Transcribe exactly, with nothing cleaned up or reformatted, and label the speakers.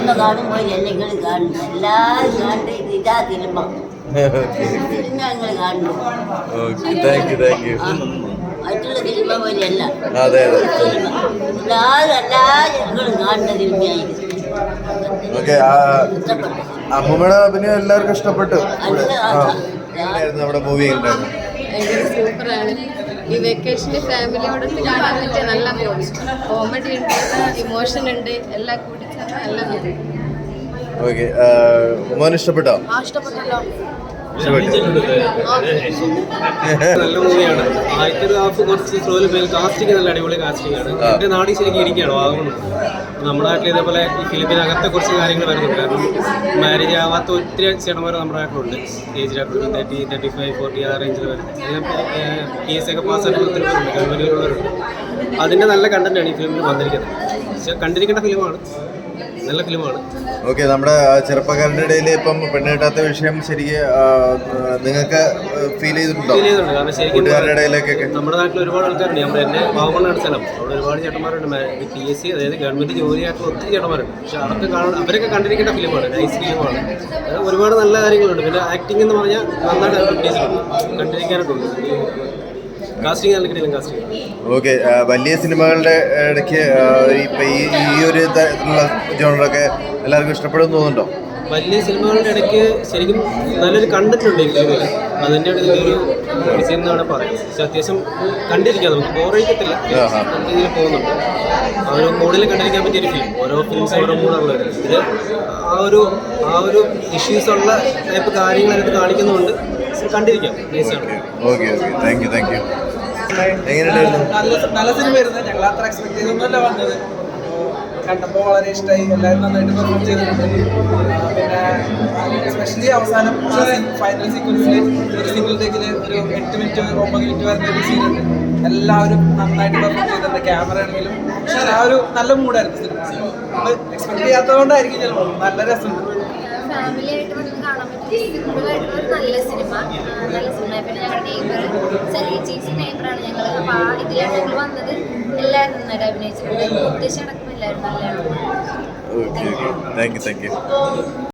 Speaker 1: Cinema കാണുമ്പോൾ എല്ലാം കാണുന്നു, എല്ലാവരും കണ്ട് ഇതാ സിനിമ സിനിമ ഞങ്ങൾ കാണുന്നു.
Speaker 2: Thank you thank you.
Speaker 1: മറ്റുള്ള സിനിമ പോലെയല്ല,
Speaker 2: അതെ അതെ.
Speaker 1: സിനിമ എല്ലാവരും എല്ലാ ജനങ്ങളും കാണുന്ന സിനിമയായിരിക്കും.
Speaker 2: ഓക്കെ, അമ്മൂമ്മയുടെ അഭിനയം എല്ലാവർക്കും ഇഷ്ടപ്പെട്ടു. എങ്ങനെയായിരുന്നു നമ്മുടെ മൂവി? ഉണ്ടായിരുന്നു
Speaker 3: സൂപ്പറാണ്. ഈ വെക്കേഷന് ഫാമിലിയോടൊത്ത് കാണാൻ പറ്റിയ നല്ല മൂവി. കോമഡി ഉണ്ട്, ഇമോഷൻ ഉണ്ട്, എല്ലാം കൂടി ചേർന്ന നല്ല മൂവി.
Speaker 2: ഓക്കെ, മോൻ ഇഷ്ടപ്പെട്ടോ?
Speaker 3: ഇഷ്ടപ്പെട്ടല്ലോ.
Speaker 4: നല്ല മൂവിയാണ്. ആദ്യത്തെ ഒരു ഹാഫ് കുറച്ച് സ്ലോയിൽ പോയി. കാസ്റ്റിംഗ് നല്ല അടിപൊളി കാസ്റ്റിംഗ് ആണ്. എൻ്റെ നാടി ശരിക്കും ഇരിക്കുകയാണ് വാങ്ങുന്നത്. നമ്മുടെ നാട്ടിൽ ഇതേപോലെ ഈ ഫിലിപ്പിനകത്തെ കുറച്ച് കാര്യങ്ങൾ വരുന്നുണ്ട്. കാരണം മാരേജ് ആവാത്ത ഒത്തിരി ചേട്ടന്മാർ നമ്മുടെ നാട്ടിലുണ്ട്. ഏജിലായിട്ടുണ്ട് തേർട്ടി തേർട്ടി ഫൈവ് ഫോർട്ടി ആ റേഞ്ചിൽ വരുന്നത്. പി എസ് സി ഒക്കെ പാസ്സായിട്ട് ഒത്തിരി പേരുണ്ട്, ഗവൺമെൻറ്റുകളുള്ളവരുണ്ട്. അതിൻ്റെ നല്ല കണ്ടന്റാണ് ഈ ഫിലിമിൽ വന്നിരിക്കുന്നത്. പക്ഷേ കണ്ടിരിക്കേണ്ട ഫിലിമാണ്, നല്ല ഫിലിമാണ്.
Speaker 2: ഓക്കെ, നമ്മുടെ ചെറുപ്പക്കാരുടെ ഇടയിൽ ഇപ്പം പെണ്ണ് കിട്ടാത്ത വിഷയം ശരിക്കും നിങ്ങൾക്ക് ഫീൽ ചെയ്തിട്ടുണ്ടോ?
Speaker 4: ഫീൽ ചെയ്തിട്ടുണ്ട്. കാരണം ശരിക്കും
Speaker 2: കൂട്ടുകാരുടെ ഇടയിലേക്കൊക്കെ
Speaker 4: നമ്മുടെ നാട്ടിൽ ഒരുപാട് ആൾക്കാരുണ്ട്. നമ്മുടെ എൻ്റെ പാവങ്ങളാണ് സ്ഥലം. അവിടെ ഒരുപാട് ചേട്ടന്മാരുണ്ട്. പി എസ് സി അതായത് ഗവൺമെൻറ് ജോലിയായിട്ടുള്ള ഒത്തിരി ചേട്ടന്മാരുണ്ട്. പക്ഷെ അതൊക്കെ കാണാൻ അവരൊക്കെ കണ്ടിരിക്കേണ്ട ഫിലിമാണ്, നൈസ് ഫിലിമാണ്. ഒരുപാട് നല്ല കാര്യങ്ങളുണ്ട്. പിന്നെ ആക്ടിംഗ് എന്ന് പറഞ്ഞാൽ നന്നായിട്ട് അഡ്വർട്ടൈസ്മെന്റ് കണ്ടിരിക്കാനായിട്ടുണ്ട്. കാസ്റ്റിംഗ് നല്ല കിട്ടിയില്ല കാസ്റ്റിംഗ്.
Speaker 2: ഓക്കെ, വലിയ സിനിമകളുടെ ഇടയ്ക്ക് ഇപ്പം ഈ ഈ ഒരു തരത്തിലുള്ള ജോണറൊക്കെ എല്ലാവർക്കും ഇഷ്ടപ്പെടുമെന്ന് തോന്നുന്നുണ്ടോ?
Speaker 4: വലിയ സിനിമകളുടെ ഇടയ്ക്ക് ശരിക്കും നല്ലൊരു കണ്ടന്റ് ഉണ്ട് ഈ ഫിലിമിൽ. അതിൻ്റെ ഇതിലൊരു വിജയം എന്നാണ് പറയുന്നത്. പക്ഷെ അത്യാവശ്യം കണ്ടിരിക്കാം, നമുക്ക് ബോറടിക്കത്തില്ല, നല്ല രീതിയിൽ പോകുന്നുണ്ട്. ആ ഒരു മൂഡിൽ കണ്ടിരിക്കാൻ പറ്റിയൊരു ഫിലിം. ഓരോ ഫിലിംസ് ഓരോ മൂഡുള്ളത്. ഇത് ആ ഒരു ആ ഒരു ഇഷ്യൂസ് ഉള്ള ടൈപ്പ് കാര്യങ്ങളായിട്ട് കാണിക്കുന്നുണ്ട്. കണ്ടിരിക്കാം, നൈസാണ്.
Speaker 2: Okay okay, thank you thank you. എങ്ങനെയുണ്ടായിരുന്നു?
Speaker 5: നല്ല നല്ല സിനിമയായിരുന്നു. ഞങ്ങൾ അത്ര എക്സ്പെക്ട് ചെയ്തൊന്നുമല്ല വന്നത്. കണ്ടപ്പോൾ വളരെ ഇഷ്ടമായി. എല്ലാവരും നന്നായിട്ട് പെർഫോം ചെയ്തിട്ടുണ്ട്. പിന്നെ എസ്പെഷ്യലി അവസാനം ഫൈനൽ സീക്വൻസിൽ ഒരു സിംഗിൾ ടേക്കിൽ ഒരു എട്ട് മിനിറ്റ് ഒമ്പത് മിനിറ്റ് വരുന്ന ഒരു സീനുണ്ട്. എല്ലാവരും നന്നായിട്ട് പെർഫോം ചെയ്തിട്ടുണ്ട്. ക്യാമറ ആണെങ്കിലും പക്ഷേ ആ ഒരു നല്ല മൂഡായിരുന്നു സിനിമ. നമ്മൾ എക്സ്പെക്ട് ചെയ്യാത്തതുകൊണ്ടായിരിക്കും ചിലപ്പോൾ നല്ല രസമുണ്ട്.
Speaker 3: ഫാമിലി ആയിട്ട് വന്ന് കാണാൻ പറ്റിയ സിമ്പിളായിട്ടുള്ള ഒരു നല്ല സിനിമ. നല്ല സിനിമ. പിന്നെ ഞങ്ങളുടെ നെയ്ബർ ചെറിയ ചേച്ചി നെയ്ബറാണ് ഞങ്ങൾ. അപ്പോൾ ആ ഇതിലാണ് ഞങ്ങൾ വന്നത്. എല്ലാവരും നന്നായിട്ട് അഭിനയിച്ചിട്ടുണ്ട്. ഉദ്ദേശം അടക്കം എല്ലാവരും നല്ലതാണ്.
Speaker 2: Okay okay, thank you thank U.